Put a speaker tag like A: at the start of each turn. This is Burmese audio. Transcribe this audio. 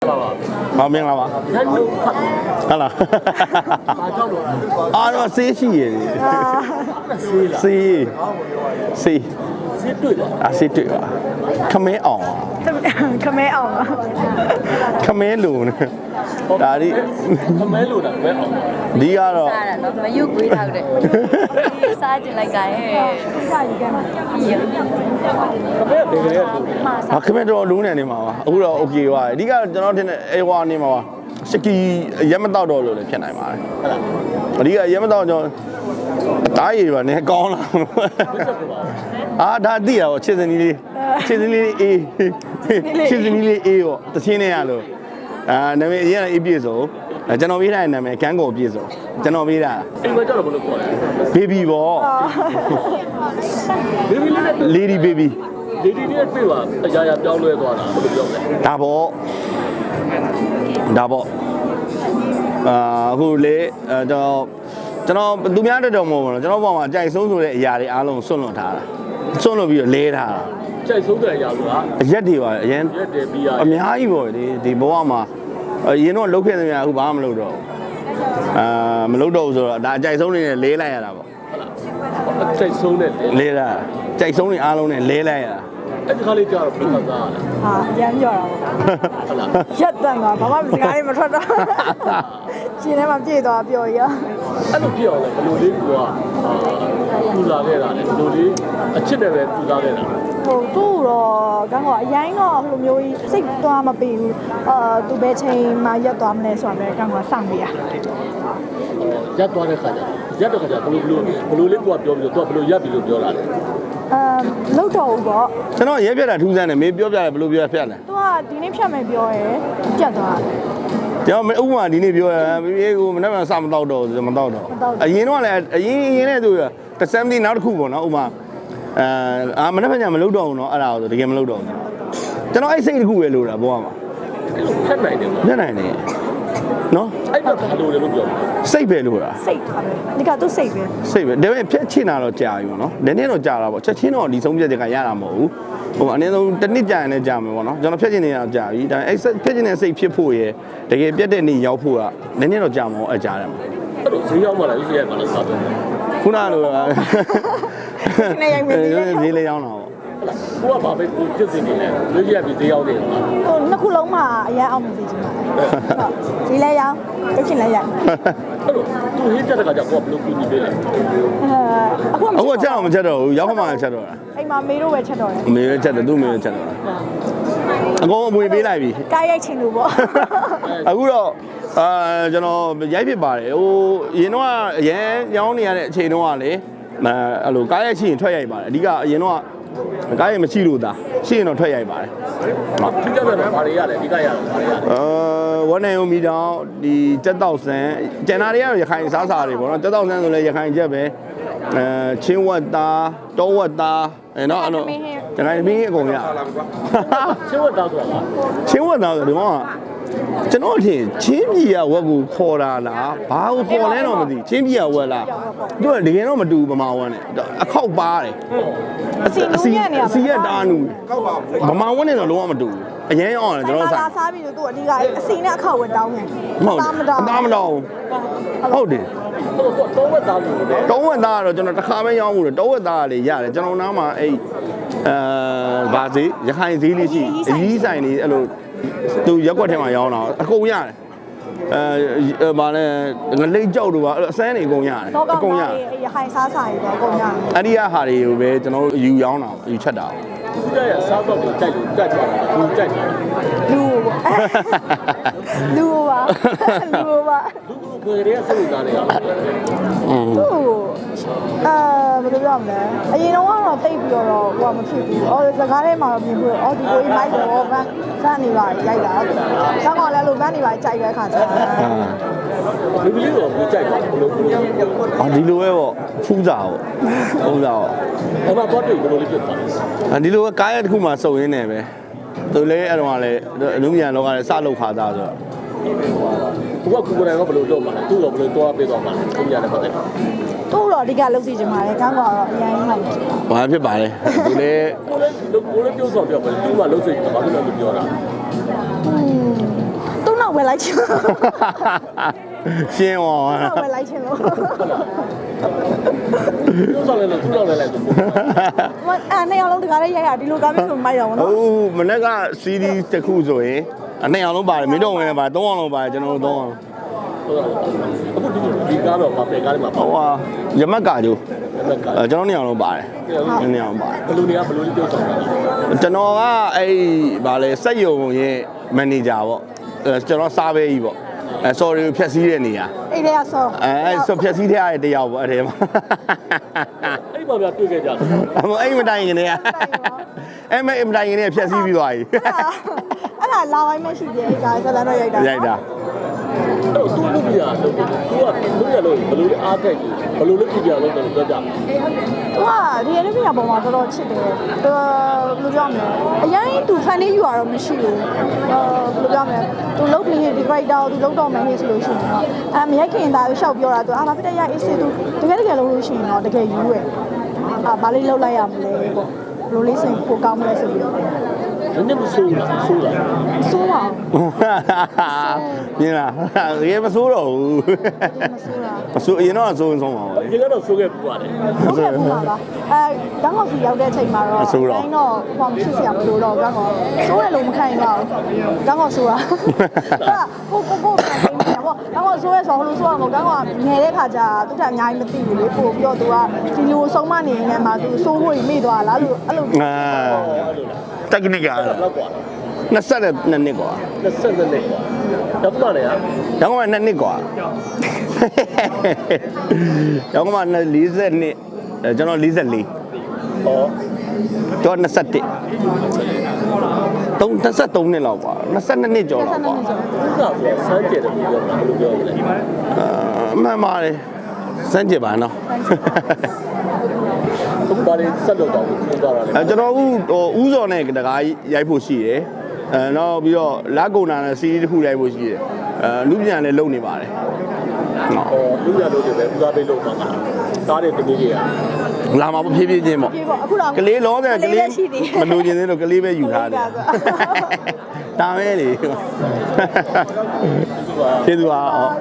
A: 好明了吧？好了。啊，那谁去耶？谁？谁？谁对了？啊，谁对了？ခမဲအောင်
B: ခမဲအောင်ပါ
A: ခမဲလူ呢ဒါဒီခမဲလူတာခမဲအောင်ဒီကတော့
C: စားတာနော်မယုတ်ကွေးထောက်တယ်စားကြလိုက်ကဲစားယူခဲ့မှာ
A: ခမဲတော်လူနေနေမှာပါအခုတော့ okay ပါအဓိကကျွန်တော်ထင်တယ်အေဝါနေမှာပါစကီရက်မတော့တော့လို့လည်းဖြစ်နိုင်ပါတယ်ဟုတ်လားအဓိကရက်မတော့ကျွန်တော်တားရည်ပါနေကောင်းလာအာဒါသိရပါချစ်စနီးလေးချစ်စနီးလေးအေးချစ်စနီးလေးအေးပေါ့တချင်းနေရလို့နာမည်အရင်ကအေးပြည့်စုံကျွန်တော်ပေးထားတဲ့နာမည်ကန်းကိုပြည့်စုံကျွန်တော်ပေးတာအိမ်မှာကျတော့ဘယ်လိုခေါ်လဲ baby ပေါ့ baby လေး lady baby lady လေးတွေ့ပါအရာရာပြောင်းလဲသွားတာဘယ်လိုပြောလဲဒါပေါ့အခုလေကျွန်တော်သူများတက်တော်မဟုတ်ဘူးကျွန်တော်ဘောမှာအကြိုက်ဆုံးဆိုတဲ့အရာတွေအားလုံးဆွန့်လွတ်ထားတာဆွန့်လွတ်ပြီးတော့လဲထားတာအကြိုက်ဆုံးတဲ့အရာဆိုတာရက်တွေပါအရင်ရက်တွေပြီးရအများကြီးပေါ့ဒီဘဝမှာအရင်တော့လုတ်ခဲ့သမျှအခုဘာမှမလုပ်တော့မလုပ်တော့ဘူးဆိုတော့ဒါအကြိုက်ဆုံးနေနဲ့လဲလိုက်ရတာပေါ့ဟုတ်လားအကြိုက်ဆုံးနဲ့လဲတာအကြိုက်ဆုံးနေအားလုံးနဲ့လဲလိုက်ရတာအဲ့ဒီခါလေးကြာတော့ဘယ်လိုသားလဲ
B: ဟာအရမ်းပြောတာပေါ့ဟုတ်လားရက်တန်သွားဘာမှစကားလေးမထွက်တော့ရှင်ထဲမှာပြည့်သွားပြောရ
A: အဲ့လိုပြည့်အောင်လဲဘယ်လိုလေးကပူလာခဲ့တာလဲဘယ်လိုလေးအချစ်နဲ့ပဲပူလာခဲ့တာ
B: ဟိုသူ့တော့ကန်းကအရင်တော့ဘယ်လိုမျိုးကြီးစိတ်သွားမပေးဘူးသူပဲချိန်မှရက်သွားမလဲဆိုတာပဲကန်းကစောင့်နေရ
A: ရက်သွားတဲ့ခါကျရက်တဲ့ခါကျဘယ်လိုလေးကပြောပြီးတော့သူကဘယ်လိုရက်ပြီးလို့ပြောလာလဲ
B: လောက်တော့ဘူးပေါ့
A: ကျွန်တော်ရဲပြတာထူးဆန်းတယ်မေးပြောပြတယ်ဘယ်လိုပြောဖြတ်လဲ
B: သူကဒီနေ့ဖြတ်မယ်ပြောရဲပြတ်သွားတယ်
A: ကျွန်တော်ဥပမာဒီနေ့ပြောရဘေးကိုမနေ့ကစမတော့တော့မတော့တော့အရင်တော့လည်းအရင်နဲ့သူတဆမ်ဒီနောက်တစ်ခုပေါ့နော်ဥပမာမနေ့ကညမလုပ်တော့ဘူးနော်အဲ့ဒါဆိုတကယ်မလုပ်တော့ဘူးကျွန်တော်အဲ့စိတ်တစ်ခုပဲလိုတာဘောမှာဖြတ်နိုင်တယ်ဖြတ်နိုင်တယ်နော်အဲ့တော့ဘာလို့လဲလို့ပြောစိတ်ပဲလို့လား
B: စိတ်ထားပဲဒီကသူစိတ်ပဲ
A: စိတ်ပဲဒါပေမဲ့ဖြတ်ချင်တာတော့ကြာပြီပေါ့နော်နည်းနည်းတော့ကြာတာပေါ့ချက်ချင်းတော့ဒီဆုံးဖြတ်ချက်ကရတာမဟုတ်ဘူးဟိုအနည်းဆုံးတစ်နှစ်ကြာရင်လည်းကြာမယ်ပေါ့နော်ကျွန်တော်ဖြတ်ချင်နေတာကြာပြီဒါပေမဲ့အဲ့ဖြတ်ချင်တဲ့စိတ်ဖြစ်ဖို့ရယ်တကယ်ပြတ်တဲ့နေ့ရောက်ဖို့ကနည်းနည်းတော့ကြာမှာပေါ့အကြာတယ်မှာအဲ့လိုဈေးရောက်မှလားဈေးရောက်မှလားစားတယ်ခုနလို
B: နေရိုက်မယ်
A: ဈေးလေးရောက်တာပေါ့ကိုကဘာပဲကိုဖြစ်စင်နေလဲဈေးရက်ပြီးဈေးရောက်တယ်
B: ဟိုနှစ်ခုလုံးမှာအရင်အောင်မသိချင်ပါဘူးဈေးလဲရောက်တစ်ချင်လဲရိုက်
A: အဲ့လိုသူဟင်းချက်တဲ့ခါကျကိုကဘယ်လိုကူညီပေးလဲအခုချက်အောင်မချက်တော့ဘူးရောက်မှချက်တော့တာ
B: အိမ်မှာမေတို့ပဲချက်တော့တယ်
A: မေပဲချက်တယ်သူ့မေပဲချက်တော့တာအကုန်အမွေပေးလိုက်ပြီ
B: ကားရိုက်ချင်လို့ပေါ့
A: အခုတော့ကျွန်တော်ရိုက်ဖြစ်ပါတယ်ဟိုရင်တော့အရင်ရောင်းနေရတဲ့အချိန်တော့ကလေအဲ့လိုကားရိုက်ချင်ထွက်ရိုက်ပါတယ်အဓိကအရင်တော့ကားရိုက်မရှိလို့သာရှိရင်တော့ထွက်ရိုက်ပါတယ်ဟုတ်ဒီကပြန်ဘာတွေရလဲဒီကရတော့ဘာတွေရလဲဝန်းနေုံမီတောင်ဒီကြက်တောက်ဆန်ကျန်တာတွေကတော့ရခိုင်စားစာတွေပေါ့နော်ကြက်တောက်ဆန်ဆိုလဲရခိုင်ချက်ပဲချင်းဝတ်သားတောဝတ်သားနော်အဲ့လိုရခိုင်မင်းအကုန်ရချင်းဝတ်သားဆိုတာချင်းဝတ်သားဆိုဒီမှာကျွန်တော်ထင်ချင်းပြည်ကဝက်ကိုခေါ်တာလားဘာကိုခေါ်လဲတော့မသိချင်းပြည်ကဝက်လားသူကတကယ်တော့မတူဗမာဝက်နဲ့အခောက်ပါတယ်
B: အစီ
A: ရတာနူဗမာဝက်နဲ့တော့လုံးဝမတူဘူးအရင်အောင်တယ်ကျွန်တော်
B: စားစားပြီးတော့သူအဓိကအစီနဲ့အခောက်ဝက်တောင်းတယ်
A: မတောင်းဟုတ်တယ်တောဝက်သားလို့တောဝက်သားကတော့ကျွန်တော်တစ်ခါပဲရောင်းမှုတယ်တောဝက်သားကလေရတယ်ကျွန်တော်နားမှာအဲ့ဗာဈေးရခိုင်ဈေးလေးရှိအကြီးဆိုင်လေးအဲ့လိုသူရက်ွက်ထဲမှာရောင်းတာအကုန်ရတယ်ဗာလဲငလိတ်ကြောက်တို့ပါအစမ်းနေအကုန်ရတယ်
B: အကုန်ရရခိုင်စားစာတွေပေါ့အကုန်ရတယ်
A: အဲ့ဒီဟာတွေကိုပဲကျွန်တော်တို့ယူရောင်းတာယူချက်တာသူကရစားတော့ကြိုက်လို့ကြက်ကြတာလူကြိုက်တာ
B: လူပါ
A: လူတွေကစိတ်သားနေရအောင်
B: ဘယ်လိုပြောမလဲအရင်တော့တိတ်ပြီးတော့ဟိုကမဖြစ်ဘူးစကားထဲမှာတော့မြင်ပြီးတော့ဒီကိုကြီးမိုက်တော့ဗန်းနေပါရိုက်တာဆောင်းကလည်းလို့ဗန်းနေပါကြိုက်တဲ့အခါကျ
A: လူကလေးတော့ဘူးကြိုက်တယ်ဘယ်လိုဒီလိုပဲပေါ့ဖူးစာပေါ့အဲ့မှာတော့တွေ့ဘယ်လိုလေးဖြစ်သွားဒီလိုပဲကားရတစ်ခုမှစုံရင်းနေပဲသူလည်းအဲ့တော့ကလည်းအနုမြန်လောကလည်းစလုပ်ခါသားဆိုတော့သူကကိုယ်တိုင်ကဘယ်လိုလုပ်မှာလဲသူ့တော့ဘယ်လိုတွားပေးသွားမှာလဲသူရတယ်ပါတယ်
B: သူ့တော့အဓိကလုပ်စီချင်ပါတယ်ကောင်းကတော့အရင်ဟုတ်
A: ဘာဖြစ်ပါလဲဒီလေကိုလည်းပြောဆောင်ပြောပါသူ့ကလုပ်စီချင်တာဘာဖြစ်လို့ပြောတာ
B: ဝယ်လိုက်ချင်လို့
A: ရှင်းသွား
B: ဝယ်လိုက်ချင်လို့
D: သူ့ဆောင်လဲလို့သူ့ဆောင်လဲလိုက်သူ
B: နှစ်ယောက်လုံးတကားလေးရိုက်ရဒီလိုကားမျိုးဆိုမိုက်တော့ဗောနော်
A: ဟုတ်မနေ့က CD တစ်ခုဆိုရင်နှစ်အောင်လုံးပါတယ်မင်းတို့ဝင်လည်းပါတယ်သုံးအောင်လုံးပါတယ်ကျွန်တော်တို့သုံးအောင်
D: အခုဒီကားတော့ပါပဲကားလေးမှာ
A: ဟိုဟာရမတ်ကာကျိုး
D: ကား
A: ကျွန်တော်နှစ်အောင်လုံးပါတယ်နှစ်အောင်ပါတယ်
D: ဘလူတွေကဘလူလေးပြုတ်ဆောင်တာ
A: ကျွန်တော်ကအဲ့ဗာလဲစက်ယုံရဲ့မန်နေဂျာပေါ့ကျွန်တော်စားပဲကြီးပေါ့sorry ဖြတ်စည်းတဲ့နေရာ
B: အဲ့ဒါဆော
A: ဆိုဖြတ်စည်းတဲ့တယောက်ပေါ့အဲ့ထဲမှာ
D: အဲ့မှာပြတွေ့ခဲ့ကြတယ်
A: အဲ့မတိုင်ခင်တည်းကအဲ့မတိုင်ခင်တည်းဖြတ်စည်းပြီးသွားပြီ
B: အဲ့ဒါလာဝိုင်းမရှိသေးအဲ့ဒါဇလန်တော့ရိုက်တာ
A: ရိုက်တာ
D: အဲ့သူ့လူပြရလို့သူကလူရလို့ဘလူလေးအားတက်ကြီးဘလူလေးပြပြလို့ပြောကြတယ်
B: သူကဒီအနည်းပြပုံမှာတော်တော်ချစ်တယ်သူဘယ်လိုပြောမလဲအရင်သူဖန်လေးယူရတော့မရှိဘူးဘယ်လိုပြောမလဲသူလုတ်ပြီးဒီ character ကိုသူလုတ်တော့မယ်ဟေ့ဆိုလို့ရှိရင်တော့မရိုက်ခင်သားရှောက်ပြောတာသူဘာဖြစ်တဲ့ရအေးစစ်သူတကယ်လုံးလို့ရှိရင်တော့တကယ်ယူရယ်ဘာလေးလုတ်လိုက်ရမလဲပေါ့ဘယ်လိုလေးစင်ပိုကောင်းမလဲဆိုပြီးတော့
D: နည်းနည်းမဆိုးလားဆိုးလား
B: ဆိုးပါ
A: မြင်လားရေမစိုးတော့ဘူး
B: မဆိုးတာ
A: မစိုးအရင်တော့စိုးဆုံးပါဘူး
D: ဒီကတော့ဆိုးခဲ့ပူပါတယ်
B: ဟုတ်ကဲ့ဘူးပါလားတောင်းကောက်စီရောက်တဲ့အချိန်မှာတော့တိုင်းတော့ဟောမရှိစရာမလိုတော့ကောင်းကောဆိုးတယ်လို့မခံနိုင်ပါဘူးကောင်းကောဆိုးတာကိုခံနေတယ်ပေါ့ကောင်းကောဆိုးရဲဆိုဟိုလိုဆိုးရမဟုတ်ကောင်းကောငယ်တဲ့ခါကျသူကအများကြီးမသိဘူးလေပို့ပြီးတော့သူကဒီလိုဆုံးမနေနေမှာသူစိုးဖို့မေ့သွားလားလို့အဲ့လို
A: technique က
D: လောက်กว่า
A: 22နှစ်กว่า
D: 22နှစ်กว่าတော့မှလည်းဟာ
A: ရောင်းကမှ2နှစ်กว่าရောင်းကမှ40နှစ်ကျွန်တော်44
D: ဟော
A: တော့21 23နှစ်လောက်กว่า22နှစ်ကျော်လောက်กว่า
D: ဥစ္စာဆိုစမ်းကြတယ်ပြောတာဘယ်လိုပြောရလဲ
A: မှန်ပါတယ်စမ်းကြည့်ပါနော်
D: သူဘာတွေဆက်လုပ်တော့ပြောသွားတာလဲ
A: ကျွန်တော်ဥစော်နဲ့တကားရိုက်ဖို့ရှိတယ်နောက်ပြီးတော့လက်ကုံနာနဲ့စီးရီးတစ်ခုရိုက်ဖို့ရှိတယ်လူပြန်လည်းလုပ်နေပါတယ်နော်
D: လူရလို့တွေပဲဥစားပေးလို့ပါမှာစားတဲ့တမီးတွေက
A: လာမှာဖြည်းဖြည်းချင်းပေါ့
B: ပြေပေါ့အခုတော့
A: ကလေးလောတဲ့ကလေးမလို့ခြင်းသေးလို့ကလေးပဲယူထားတယ်ဒါပဲလေကျေးဇူးပါ